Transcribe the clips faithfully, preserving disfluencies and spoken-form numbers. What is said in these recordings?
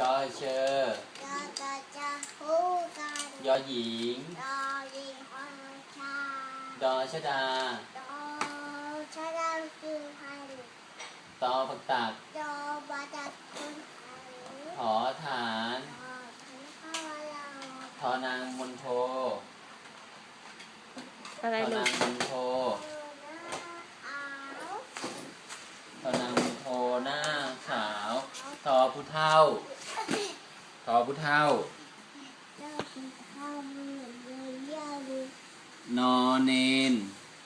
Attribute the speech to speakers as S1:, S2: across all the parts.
S1: อเชอ
S2: จอจอจะคู่กัน
S1: ยอหญิง
S2: ดอยิงอชา
S1: ดอชดา
S2: ดอชาดาคือพัน
S1: ตอผักตัก
S2: ดอบาดัดคนพัน
S1: ถอฐาน
S2: ดอทันข้าวเรา
S1: ทอนางมนโท
S3: อะไร
S1: ทอ
S3: ลู
S1: นาก งมนโท
S2: ขาว
S1: ทอนางมนโทหน้าขาวทอผู้เฒ่าทอผู้เฒ่า
S2: เจ้าคือข้าวมือเลยยาลู
S1: นอเนน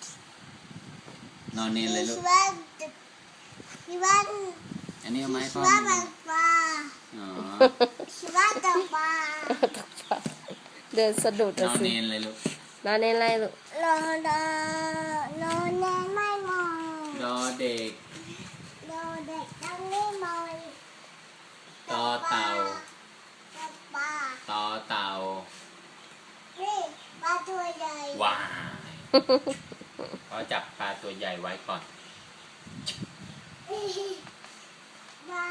S1: นอเนนเลยลูก
S2: พี่วันพี่วัน
S1: อันนี้เอาไม้
S2: พี่
S1: พ่อ
S2: วันบังปลา
S1: อ๋อ
S2: พี่วันตกปลา
S3: เดินสะดุด
S1: น
S3: อะ
S1: อ
S3: สิ
S1: เนนเลยลูก
S3: นอนในไรลูก
S2: รอรอรอแน่ไม่มอง
S1: ดอเด็ก
S2: รอเด็กต้องไม่มอง
S1: ตอเต่า
S2: ตกปลา
S1: ตอเต่า
S2: นี่ปลาตัวใหญ่
S1: ว้ายพอจับปลาตัวใหญ่ไว้ก่อน
S2: ปลา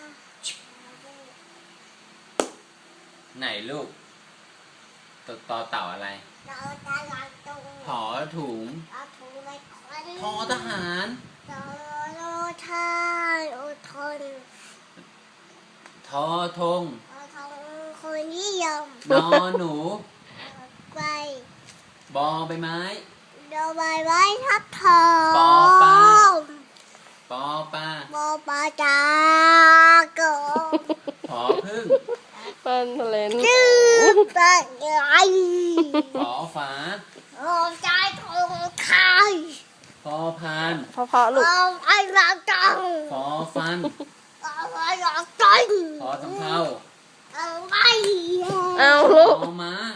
S1: ไหนลูกตตอเต่าอะไร
S2: เราตาลังตรง
S1: ถอถุง
S2: เราถูกไปคน
S1: ทอทหาร
S2: เราโลทานอดทน
S1: ทอธง
S2: เราทำคนนิยม
S1: นอหนู
S2: ไป
S1: บอใบไม้
S2: เราใบไม้ทับทอง
S1: ปอปลา ปอปลา
S2: ปอปลาจาก็
S1: ผอพึ่ง
S3: มันทะเลน
S2: ชื่อปลาใหญ่
S1: ผอฝา
S2: โอ้ใจทงไข่
S1: พอพาน
S3: พอพอลูก
S2: โอ้ไอ้รักจัง
S1: พอฟัน
S2: โอ้ไอ้รักจัง
S1: พอสำเภา
S2: เอาไว้
S3: เอา
S1: พ
S3: ลูก
S1: อม้า